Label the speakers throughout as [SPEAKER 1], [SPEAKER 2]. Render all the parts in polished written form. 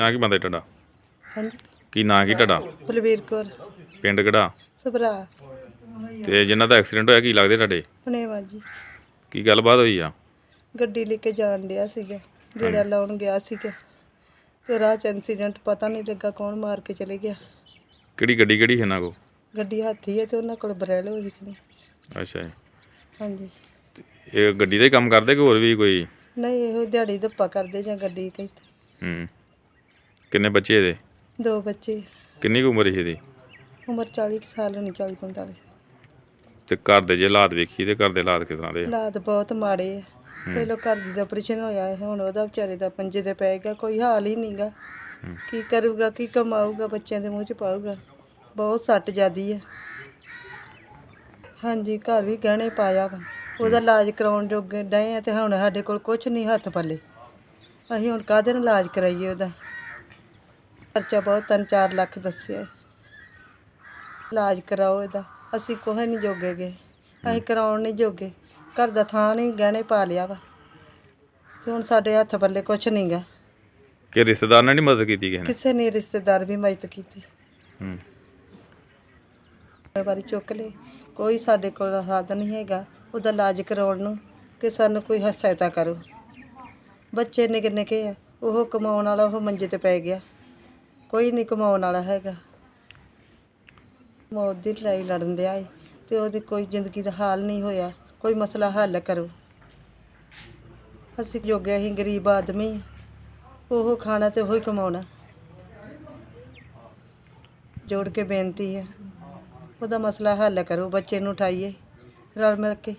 [SPEAKER 1] ਨਾਂ ਕੀ ਬੰਦਾ ਤੁਹਾਡਾ?
[SPEAKER 2] ਹਾਂਜੀ
[SPEAKER 1] ਕੀ ਨਾਂ ਕੀ ਤੁਹਾਡਾ?
[SPEAKER 2] ਬਲਵੀਰ ਕੌਰ
[SPEAKER 1] ਪਿੰਡ ਕਿਹੜਾ?
[SPEAKER 2] ਸਭਰਾ
[SPEAKER 1] ਤੇ ਜਿਨ੍ਹਾਂ ਦਾ ਐਕਸੀਡੈਂਟ ਹੋਇਆ ਕੀ ਲੱਗਦੇ ਤੁਹਾਡੇ?
[SPEAKER 2] ਪਨੇਵਾ ਜੀ।
[SPEAKER 1] ਕੀ ਗੱਲਬਾਤ ਹੋਈ ਆ?
[SPEAKER 2] ਗੱਡੀ ਲੈ ਕੇ ਜਾਣ ਡਿਆ ਸੀਗਾ, ਗੇੜਾ ਲਾਉਣ ਗਿਆ ਸੀਗਾ ਤੇ ਰਾਹ 'ਚ ਐਕਸੀਡੈਂਟ ਪਤਾ ਨਹੀਂ ਲੱਗਾ ਕੌਣ ਮਾਰ ਕੇ ਚਲੇ ਗਿਆ।
[SPEAKER 1] ਕਿਹੜੀ ਗੱਡੀ ਕਿਹੜੀ ਇਹਨਾਂ ਕੋ?
[SPEAKER 2] ਗੱਡੀ ਹਾਥੀ ਹੈ ਤੇ ਉਹਨਾਂ ਕੋਲ ਬਰੈਲੋ ਦਿਖਣੀ।
[SPEAKER 1] ਅੱਛਾ ਜੀ।
[SPEAKER 2] ਹਾਂਜੀ
[SPEAKER 1] ਇਹ ਗੱਡੀ ਦਾ ਹੀ ਕੰਮ ਕਰਦੇ ਕਿ ਹੋਰ ਵੀ ਕੋਈ?
[SPEAKER 2] ਨਹੀਂ ਇਹੋ ਦਿਹਾੜੀ ਧੱਪਾ ਕਰਦੇ ਜਾਂ ਗੱਡੀ ਤੇ।
[SPEAKER 1] ਕਿੰਨੇ ਬੱਚੇ ਇਹਦੇ?
[SPEAKER 2] 2 ਬੱਚੇ।
[SPEAKER 1] ਕਿੰਨੀ ਕੁ ਉਮਰ ਸੀ ਇਹਦੀ?
[SPEAKER 2] ਉਮਰ 40 ਕੁ ਸਾਲ ਹੋਣੀ, 40-45।
[SPEAKER 1] ਤੇ ਘਰ ਦੇ ਜੇ ਹਾਲਾਤ ਵੇਖੀ ਤੇ ਘਰ ਦੇ ਹਾਲਾਤ ਕਿਸ ਤਰ੍ਹਾਂ ਦੇ ਆ?
[SPEAKER 2] ਹਾਲਾਤ ਬਹੁਤ ਮਾੜੇ ਆ। ਪਹਿਲੋਂ ਘਰ ਦੀ ਦਾ ਆਪਰੇਸ਼ਨ ਹੋਇਆ ਹੈ, ਹੁਣ ਉਹਦਾ ਵਿਚਾਰੇ ਦਾ ਪੰਜੇ ਤੇ ਪਏਗਾ, ਕੋਈ ਹਾਲ ਹੀ ਨਹੀਂਗਾ। ਕੀ ਕਰੂਗਾ, ਕੀ ਕਮਾਊਗਾ, ਬੱਚਿਆਂ ਦੇ ਮੂੰਹ 'ਚ ਪਾਊਗਾ। ਬਹੁਤ ਸੱਟ ਜ਼ਿਆਦੀ ਹੈ। ਹਾਂਜੀ ਘਰ ਵੀ ਗਹਿਣੇ ਪਾਇਆ ਵਾ, ਉਹਦਾ ਇਲਾਜ ਕਰਾਉਣ ਜੋਗੇ ਡਏ ਆ ਤੇ ਹੁਣ ਸਾਡੇ ਕੋਲ ਕੁਛ ਨਹੀਂ ਹੱਥ ਪੱਲੇ। ਅਸੀਂ ਹੁਣ ਕਾਹਦੇ ਨਾਲ ਇਲਾਜ ਕਰਾਈਏ ਉਹਦਾ? ਖਰਚਾ ਬਹੁਤ 3-4 ਲੱਖ ਦੱਸਿਆ। ਇਲਾਜ ਕਰਾਓ ਇਹਦਾ, ਅਸੀਂ ਕੁਛ ਨਹੀਂ ਜੋਗੇ ਗਏ, ਅਸੀਂ ਕਰਾਉਣ ਨਹੀਂ ਜੋਗੇ। ਘਰ ਦਾ ਥਾਂ ਨਹੀਂ, ਗਹਿਣੇ ਪਾ ਲਿਆ ਵਾ ਤੇ ਹੁਣ ਸਾਡੇ ਹੱਥ ਪੱਲੇ ਕੁਛ ਨਹੀਂਗਾ।
[SPEAKER 1] ਕਿ ਰਿਸ਼ਤੇਦਾਰ ਨੇ ਨਹੀਂ ਮਦਦ ਕੀਤੀ ਕਿਸੇ ਨੇ?
[SPEAKER 2] ਕਿਸੇ ਨੇ ਰਿਸ਼ਤੇਦਾਰ ਵੀ ਮਦਦ ਕੀਤੀ। ਵਾਰੀ ਚੁੱਕ ਲਏ, ਕੋਈ ਸਾਡੇ ਕੋਲ ਸਾਧਨ ਨਹੀਂ ਹੈਗਾ ਉਹਦਾ ਇਲਾਜ ਕਰਾਉਣ ਨੂੰ ਕਿ ਸਾਨੂੰ ਕੋਈ ਸਹਾਇਤਾ ਕਰੋ। ਬੱਚੇ ਨਿੱਕੇ ਨਿੱਕੇ ਆ, ਉਹ ਕਮਾਉਣ ਵਾਲਾ ਉਹ ਮੰਜੇ ਤੇ ਪੈ ਗਿਆ, ਕੋਈ ਨਹੀਂ ਕਮਾਉਣ ਵਾਲਾ ਹੈਗਾ। ਮੌਤ ਦੀ ਲੜਾਈ ਲੜਨ ਡਿਆ ਏ ਤੇ ਉਹਦੀ ਕੋਈ ਜ਼ਿੰਦਗੀ ਦਾ ਹਾਲ ਨਹੀਂ ਹੋਇਆ। ਕੋਈ ਮਸਲਾ ਹੱਲ ਕਰੋ। ਅਸੀਂ ਜੋਗੇ, ਅਸੀਂ ਗਰੀਬ ਆਦਮੀ, ਉਹ ਖਾਣਾ ਤੇ ਉਹੀ ਕਮਾਉਣਾ। ਜੋੜ ਕੇ ਬੇਨਤੀ ਹੈ ਉਹਦਾ ਮਸਲਾ ਹੱਲ ਕਰੋ, ਬੱਚੇ ਨੂੰ ਉਠਾਈਏ ਰਲ ਮਿਲ ਕੇ।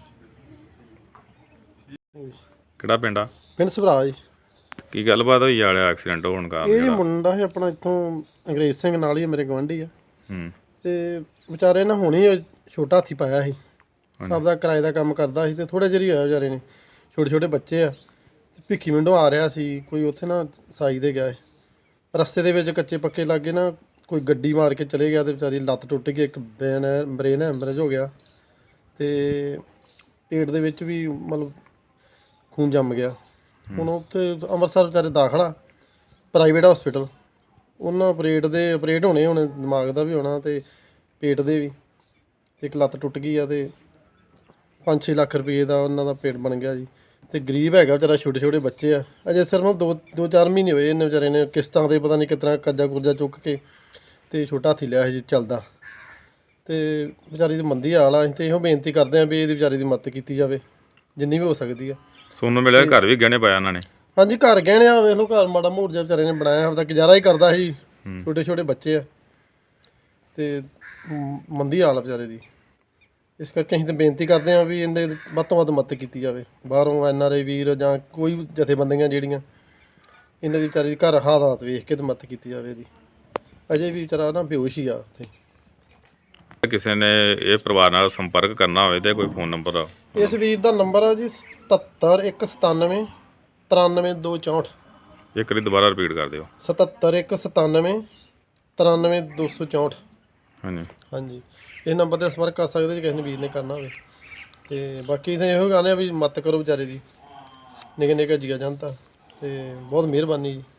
[SPEAKER 1] ਕਿਹੜਾ ਪਿੰਡ ਆ?
[SPEAKER 3] ਪਿੰਡ ਸਭਰਾ ਜੀ।
[SPEAKER 1] ਕੀ ਗੱਲਬਾਤ ਹੋਈ ਵਾਲਿਆ ਐਕਸੀਡੈਂਟ ਹੋਣ ਕਾਰਨ?
[SPEAKER 3] ਇਹ ਮੁੰਡਾ ਹੈ ਆਪਣਾ ਇੱਥੋਂ ਅੰਗਰੇਜ਼ ਸਿੰਘ ਨਾਲ ਹੀ ਮੇਰੇ ਗੁਆਂਢੀ ਆ। ਤੇ ਵਿਚਾਰੇ ਨੇ ਹੁਣੇ ਛੋਟਾ ਹਾਥੀ ਪਾਇਆ ਸੀ, ਆਪਦਾ ਕਿਰਾਏ ਦਾ ਕੰਮ ਕਰਦਾ ਸੀ ਤੇ ਥੋੜ੍ਹਾ ਜਿਹਾ ਹੀ ਹੋਇਆ ਵਿਚਾਰੇ ਨੇ। ਛੋਟੇ ਛੋਟੇ ਬੱਚੇ ਆ, ਭਿੱਖੀ ਮਿੰਡੋਂ ਆ ਰਿਹਾ ਸੀ ਕੋਈ, ਉੱਥੇ ਨਾ ਸਾਈ ਦੇ ਗਿਆ ਰਸਤੇ ਦੇ ਵਿੱਚ ਕੱਚੇ ਪੱਕੇ ਲਾਗੇ ਨਾ ਕੋਈ ਗੱਡੀ ਮਾਰ ਕੇ ਚਲੇ ਗਿਆ ਤੇ ਵਿਚਾਰੀ ਲੱਤ ਟੁੱਟ ਗਈ, ਇੱਕ ਬ੍ਰੇਨ ਹੈਮਰੇਜ ਹੋ ਗਿਆ ਤੇ ਪੇਟ ਦੇ ਵਿੱਚ ਵੀ ਮਤਲਬ ਖੂਨ ਜੰਮ ਗਿਆ। ਹੁਣ ਉੱਥੇ ਅੰਮ੍ਰਿਤਸਰ ਵਿਚਾਰੇ ਦਾਖਲਾ ਪ੍ਰਾਈਵੇਟ ਹਸਪੀਟਲ। ਉਹਨਾਂ ਆਪਰੇਟ ਹੋਣੇ ਹੁਣ, ਦਿਮਾਗ ਦਾ ਵੀ ਹੋਣਾ ਤੇ ਪੇਟ ਦੇ ਵੀ, ਇੱਕ ਲੱਤ ਟੁੱਟ ਗਈ ਆ ਤੇ 5-6 ਲੱਖ ਰੁਪਏ ਦਾ ਉਹਨਾਂ ਦਾ ਪੇਟ ਬਣ ਗਿਆ ਜੀ। ਤੇ ਗਰੀਬ ਹੈਗਾ ਵਿਚਾਰਾ, ਛੋਟੇ ਛੋਟੇ ਬੱਚੇ ਆ, ਅਜੇ ਸਿਰਫ 2-4 ਮਹੀਨੇ ਹੋਏ ਇਹਨੇ ਵਿਚਾਰੇ ਨੇ ਕਿਸ਼ਤਾਂ ਦੇ ਪਤਾ ਨਹੀਂ ਕਿਸ ਤਰ੍ਹਾਂ ਕਰਜ਼ਾ ਕੁਰਜ਼ਾ ਚੁੱਕ ਕੇ ਤੇ ਛੋਟਾ ਹਾਥੀ ਲਿਆ ਸੀ ਚੱਲਦਾ। ਤੇ ਵਿਚਾਰੀ ਦੀ ਮੰਦੀ ਹਾਲ ਆ। ਅਸੀਂ ਤੇ ਇਹੋ ਬੇਨਤੀ ਕਰਦੇ ਹਾਂ ਵੀ ਇਹਦੀ ਵਿਚਾਰੀ ਦੀ ਮਦਦ ਕੀਤੀ ਜਾਵੇ ਜਿੰਨੀ ਵੀ ਹੋ ਸਕਦੀ ਆ।
[SPEAKER 1] ਸੋਨੂੰ ਮਿਲਿਆ ਘਰ ਵੀ ਗਹਿਣੇ ਪਾਇਆ ਉਹਨਾਂ ਨੇ? ਹਾਂਜੀ
[SPEAKER 3] ਘਰ ਗਹਿਣੇ ਆ, ਵੇਖ ਲਓ ਘਰ ਮਾੜਾ ਮੋੜ ਜਿਹਾ ਵਿਚਾਰੇ ਨੇ ਬਣਾਇਆ, ਆਪਦਾ ਗੁਜ਼ਾਰਾ ਹੀ ਕਰਦਾ ਸੀ। ਛੋਟੇ ਛੋਟੇ ਬੱਚੇ ਆ ਤੇ ਮੰਦੀ ਹਾਲ ਆ ਵਿਚਾਰੇ ਦੀ। ਇਸ ਕਰਕੇ ਅਸੀਂ ਤਾਂ ਬੇਨਤੀ ਕਰਦੇ ਹਾਂ ਵੀ ਇਹਦੇ ਵੱਧ ਤੋਂ ਵੱਧ ਮਦਦ ਕੀਤੀ ਜਾਵੇ। ਬਾਹਰੋਂ NRI ਵੀਰ ਜਾਂ ਕੋਈ ਜਥੇਬੰਦੀਆਂ ਜਿਹੜੀਆਂ, ਇਹਨਾਂ ਦੀ ਵਿਚਾਰੀ ਦੀ ਘਰ ਹਾਲਾਤ ਵੇਖ ਕੇ ਤਾਂ ਮਦਦ ਕੀਤੀ ਜਾਵੇ ਇਹਦੀ। ਅਜੇ ਵੀ ਵਿਚਾਰਾ ਨਾ ਬੇਹੋਸ਼ ਹੀ ਆ ਉੱਥੇ।
[SPEAKER 1] ਕਿਸੇ ਨੇ ਇਹ ਪਰਿਵਾਰ ਨਾਲ ਸੰਪਰਕ ਕਰਨਾ ਹੋਵੇ ਤੇ ਕੋਈ ਫੋਨ ਨੰਬਰ?
[SPEAKER 3] ਇਸ ਵੀਰ ਦਾ ਨੰਬਰ ਆ ਜੀ 77197 93264।
[SPEAKER 1] ਇੱਕ ਵਾਰੀ ਦੁਬਾਰਾ ਰਿਪੀਟ ਕਰ ਦਿਓ।
[SPEAKER 3] 77197 93264। ਹਾਂਜੀ ਇਹ ਨੰਬਰ 'ਤੇ ਸੰਪਰਕ ਕਰ ਸਕਦੇ ਜੇ ਕਿਸੇ ਨੇ ਵੀਰ ਨੇ ਕਰਨਾ ਹੋਵੇ। ਤੇ ਬਾਕੀ ਤਾਂ ਇਹੋ ਗਾਣੇ ਆ ਵੀ ਮਦਦ ਕਰੋ ਵਿਚਾਰੇ ਦੀ, ਨਿੱਕੇ ਨਿੱਕੇ ਜੀਆ ਜਨਤਾ। ਤੇ ਬਹੁਤ ਮਿਹਰਬਾਨੀ ਜੀ।